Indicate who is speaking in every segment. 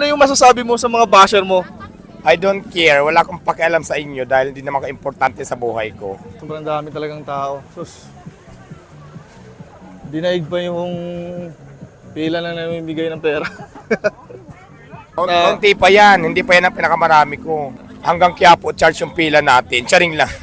Speaker 1: ano yung masasabi mo sa mga basher mo?
Speaker 2: I don't care. Wala akong pakialam sa inyo dahil hindi naman ka-importante sa buhay ko.
Speaker 1: Sobrang dami talagang tao. Sus. Dinaig pa yung pila na namimigay ng pera.
Speaker 2: Konti pa yan. Hindi pa yan ang pinakamarami ko. Hanggang Quiapo charge yung pila natin. Charing lang.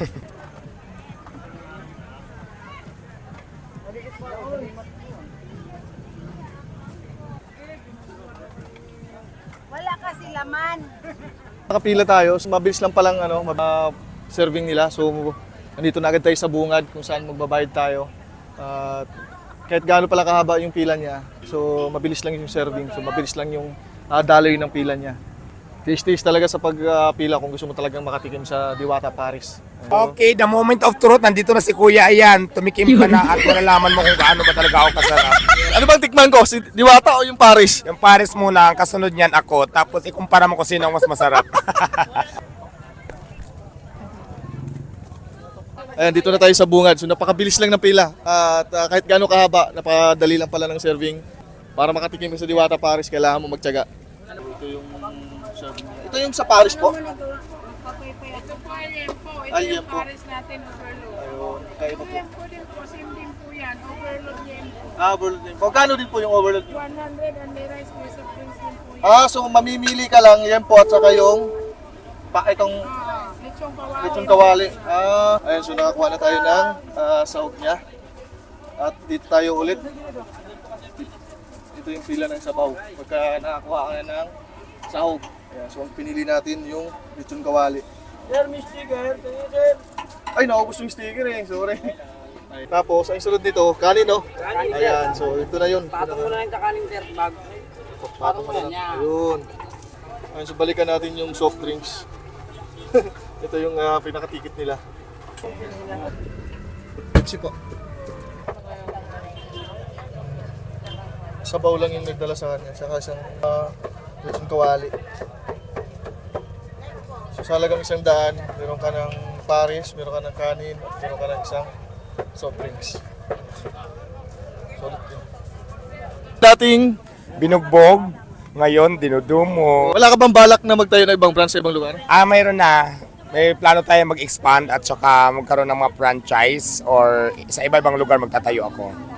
Speaker 3: Wala kasi laman.
Speaker 1: Nakapila tayo, so mabilis lang palang serving nila. So nandito na agad tayo sa bungad kung saan magbabayad tayo. At kahit gaano pala kahaba yung pila niya, so mabilis lang yung serving. So mabilis lang yung daloy ng pila niya. Tiis-tiis talaga sa pagpila kung gusto mo talagang makatikim sa Diwata Paris.
Speaker 2: Okay, the moment of truth. Nandito na si Kuya. Ayan, tumikim ka na at malalaman mo kung gaano ba talaga ako kasarap.
Speaker 1: Ano bang tikman ko? Si Diwata o yung Paris?
Speaker 2: Yung Paris muna, ang kasunod niyan ako. Tapos ikumpara mo kung sino ang mas masarap.
Speaker 1: Ayan, dito na tayo sa bungad. So napakabilis lang ng pila. At kahit gaano kahaba, napakadali lang pala ng serving. Para makatikim ka sa Diwata Paris, kailangan mo magtiyaga. Ito yung serving nila. Ito yung sa Paris po.
Speaker 3: Ito po ay yempo. Ito
Speaker 1: Ay,
Speaker 3: yung
Speaker 1: yempo.
Speaker 3: Paris natin, overload.
Speaker 1: Ayun, kaya
Speaker 3: Ito yempo din po, same din po yan. Overload yempo.
Speaker 1: overload din po. Magkano din po yung overload?
Speaker 3: 100 and may rice with soft drinks din po yan.
Speaker 1: So mamimili ka lang yan po at saka yung itong
Speaker 3: Lechong kawali.
Speaker 1: lechong kawali. Ayun, so nakakuha na tayo ng sahog niya. At dito tayo ulit. Ito yung pila ng sabaw. Pagka nakakuha ka na ng sahog. Ayan, so ang pinili natin yung lechong kawali. Ay, naubos yung sticker eh. Sorry. Ay, tapos, ang sunod nito, kanin no? Ayan, so ito na yun.
Speaker 4: Patong mo na lang kakaling sir, bag.
Speaker 1: Patong mo na. Ayun. Ayun, so balikan natin yung soft drinks. Ito yung pinakatikit nila. Pepsi po. Sabaw lang yung nagdala sa kanya, saka isang lechong kawali. So sa halagang 100, meron ka ng Paris, meron ka ng kanin, at meron ka ng isang soft drinks. Solid din. Dating,
Speaker 2: Binugbog. Ngayon, dinudumo.
Speaker 1: wala ka bang balak na magtayo ng ibang branch sa ibang lugar?
Speaker 2: Mayroon na. May plano tayo mag-expand at saka magkaroon ng mga franchise or sa iba-ibang lugar magtatayo ako.